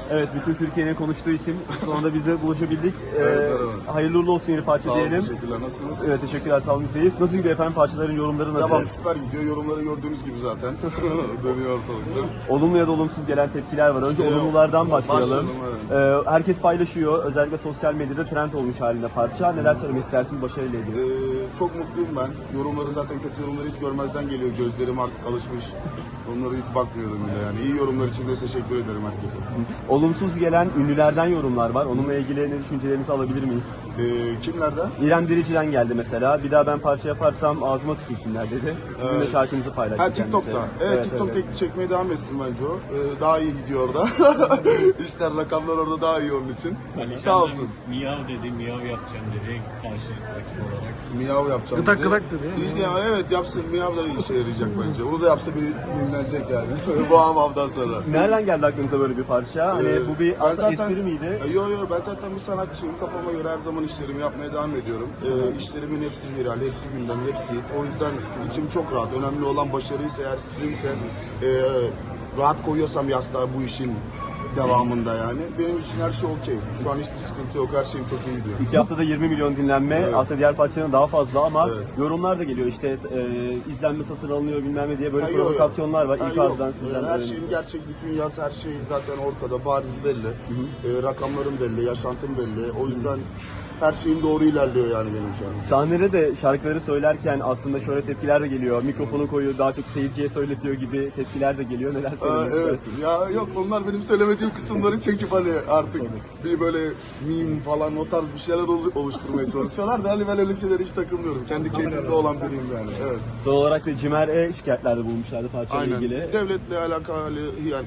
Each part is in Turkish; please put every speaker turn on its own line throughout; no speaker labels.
Evet, bütün Türkiye'nin konuştuğu isim. Sonunda biz de buluşabildik.
Evet,
hayırlı uğurlu olsun yeni parça
Sağ olun,
diyelim.
teşekkürler. Nasılsınız?
Evet, teşekkürler, sağ olun, bizdeyiz. Nasıl gidiyor efendim, parçaların yorumları nasıl?
Devam süper gidiyor. Yorumları gördüğünüz gibi zaten. Dönüyor ortalıkta.
Olumlu ya da olumsuz gelen tepkiler var. Önce olumlulardan başlayalım.
Başlayalım, evet.
Herkes paylaşıyor. Özellikle sosyal medyada trend olmuş halinde parça. Neler söylemek istersiniz başarıyla ilgili?
Çok mutluyum ben. Yorumları zaten kötü yorumları hiç görmezden geliyor. Gözlerim artık alışmış. Onlara hiç bakmıyorum bile yani. İyi yorumlar için de teşekkür ederim herkese.
Olumsuz gelen ünlülerden yorumlar var. Onunla ilgili ne düşüncelerinizi alabilir miyiz?
Kimlerden?
İrem Derici'den geldi mesela. Bir daha ben parça yaparsam ağzıma tükürsünler dedi. Sizin de şarkınızı paylaştı
Ha, TikTok'ta.
kendisi.
Evet, TikTok çekmeye devam etsin bence o. Daha iyi gidiyor orada. İşler, rakamlar orada daha iyi onun için. Sağ olsun.
Miyav dedi, miyav yapacağım dedi karşı rakip olarak.
Miyav yapacağım.
Gıdak gıdak dedi.
Ya evet, yapsın. Miyav da işe yarayacak bence. Onu da yapsa bir dinlenecek yani. Bu hamamdan sonra.
Nereden geldi aklınıza böyle bir parça? Hani bu bir
Ben
aslında espri miydi?
Yo, ben zaten bir sanatçıyım. Kafama göre her zaman işlerimi yapmaya devam ediyorum. İşlerimin hepsi viral, hepsi gündem, hepsi hit. O yüzden içim çok rahat. Önemli olan başarıysa, eğer streamse, rahat koyuyorsam yastığa bu işin devamında yani. Benim için her şey okey. Şu an hiçbir sıkıntı yok. Her şeyim çok iyi gidiyor.
2 haftada 20 milyon dinlenme.
Evet.
Aslında diğer parçaların daha fazla ama
Evet.
yorumlar da geliyor. İşte izlenme satın alınıyor bilmem ne diye böyle
Ha, yok.
provokasyonlar var.
Ha,
İlk
yok.
ağızdan sizden.
Her şeyin gerçek, bütün yaz, her şey zaten ortada, bariz belli. Rakamlarım belli, yaşantım belli. O yüzden her şeyim doğru ilerliyor yani benim şu an.
Sahnede de şarkıları söylerken aslında şöyle tepkiler de geliyor. Mikrofonu koyuyor, daha çok seyirciye söyletiyor gibi tepkiler de geliyor. Neler söylemek
Evet.
istersiniz?
Ya yok, onlar benim söylemediğim kısımları çekip hani artık bir böyle meme falan o tarz bir şeyler oluşturmaya çalışıyorlar da hani ben öyle şeylere hiç takılmıyorum. Kendi keyfimde olan biriyim yani. Evet.
Son olarak da Cimer'e şikayetlerde bulmuşlardı parçayla
Aynen.
ilgili.
Devletle alakalı yani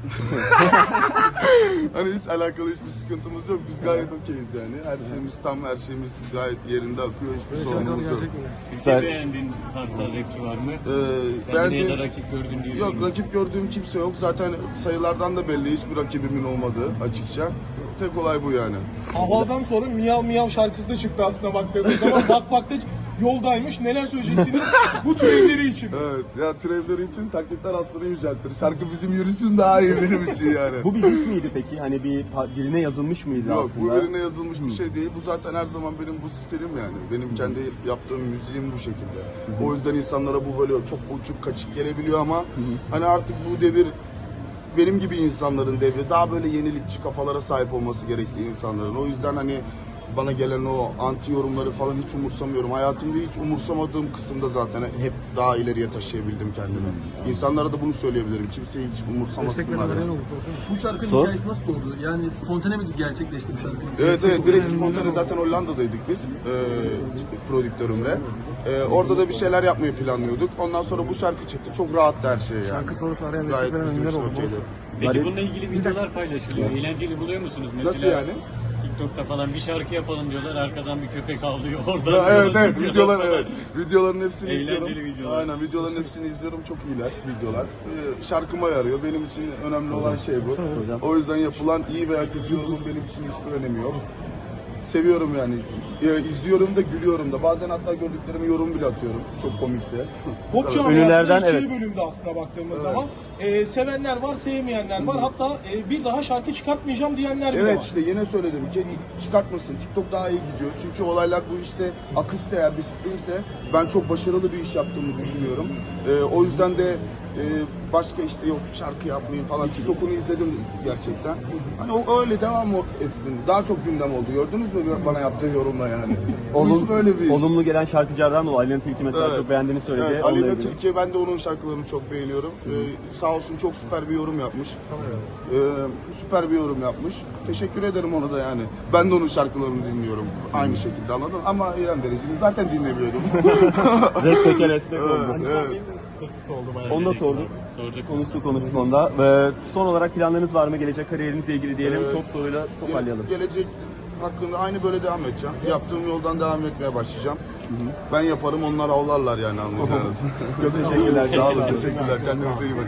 hani hiç alakalı hiçbir sıkıntımız yok. Biz gayet okeyiz yani. Her şeyimiz tam, her şeyimiz gayet yerinde akıyor. Hiçbir sorunumuz yok.
Türkiye beğendiğin farklı rapçi var mı? Kendine ya da rakip gördün diye.
Yok, rakip gördüğüm kimse yok. Zaten sayılardan da belli. Hiçbir rakibimin olmadığı açıkça. Tek olay bu yani.
Havadan sonra Miyav Miyav şarkısı da çıktı aslında baktığımız zaman. Bak yoldaymış. Neler söyleyeceksiniz bu türevleri için?
Evet, ya türevleri için taklitler aslında yüceltir. Şarkı bizim yürüsün daha iyi benim için yani.
Bu bir diss miydi peki? Hani birine yazılmış mıydı
Yok,
aslında?
bu birine yazılmış bir şey değil. Bu zaten her zaman benim bu stilim yani. Benim kendi yaptığım müziğim bu şekilde. O yüzden insanlara bu böyle çok uçuk kaçık gelebiliyor ama hani artık bu devir benim gibi insanların devri, daha böyle yenilikçi kafalara sahip olması gerekli insanların. O yüzden hani bana gelen o anti yorumları falan hiç umursamıyorum. Hayatımda hiç umursamadığım kısımda zaten hep daha ileriye taşıyabildim kendimi. İnsanlara da bunu söyleyebilirim. Kimseyi hiç umursamasınlar. Yani.
Bu şarkının hikayesi nasıl oldu? Yani spontane mi gerçekleşti bu şarkı?
Evet, direkt spontane, zaten Hollanda'daydık biz prodüktörümle. Orada da bir şeyler yapmayı planlıyorduk. Ondan sonra bu şarkı çıktı. Çok rahattı her şey yani.
Şarkı sorusu arayan
Gayet
destekler
bizim
neler
için
oldu?
okeydi.
Peki bununla ilgili videolar paylaşılıyor. Eğlenceli buluyor musunuz? Mesela
Nasıl yani?
TikTok'ta falan bir şarkı yapalım diyorlar. Arkadan bir köpek ağlıyor. Oradan
Evet,
çıkıyor
videolar,
falan.
evet. Videoların hepsini
Eğlenceli
izliyorum.
videolar.
Aynen, videoların hepsini izliyorum. Çok iyiler videolar. Şarkıma yarıyor. Benim için önemli olan şey bu. O yüzden yapılan iyi veya kötü yorumun benim için hiçbir önemi yok. Seviyorum yani. İzliyorum da gülüyorum da. Bazen hatta gördüklerime yorum bile atıyorum. Çok komikse.
Pop
Ünlülerden,
camiasında
evet.
ikiye bölümde aslında baktığımız zaman. Sevenler var, sevmeyenler var. Hatta bir daha şarkı çıkartmayacağım diyenler bile
Evet,
var.
işte yine söyledim ki çıkartmasın. TikTok daha iyi gidiyor. Çünkü olaylar bu işte akışsa, eğer bir streamse ben çok başarılı bir iş yaptığımı düşünüyorum. O yüzden de başka işte yok şarkı yapmayayım falan. TikTok'unu izledim gerçekten. Hani o öyle devam etsin. Daha çok gündem oldu. Gördünüz mü bana yaptığı yorumla yani. Bu iş böyle bir iş.
Olumlu gelen şarkıcılardan dolayı Aleyna Tilki mesela
Evet.
çok beğendiğini söyledi.
Evet,
Onunla
Aleyna
ilgili.
Tilki, ben de onun şarkılarını çok beğeniyorum. Sağ olsun, çok süper bir yorum yapmış. Süper bir yorum yapmış. Teşekkür ederim ona da yani. Ben de onun şarkılarını dinliyorum. Aynı şekilde, anladın? Ama İrem Derici'ni zaten dinlemiyordum.
Respek oldu.
Evet.
Kırkısı oldu bayağı.
Onu da sorduk. Konuştuk onda. Ve son olarak planlarınız var mı? Gelecek kariyerinizle ilgili diyelim. Çok soruyla toparlayalım.
Gelecek hakkında aynı böyle devam edeceğim. Yaptığım yoldan devam etmeye başlayacağım. Ben yaparım, onlar avlarlar yani, anlayacağınız.
Çok teşekkürler.
Sağ olun, teşekkürler. Kendinize iyi bakın.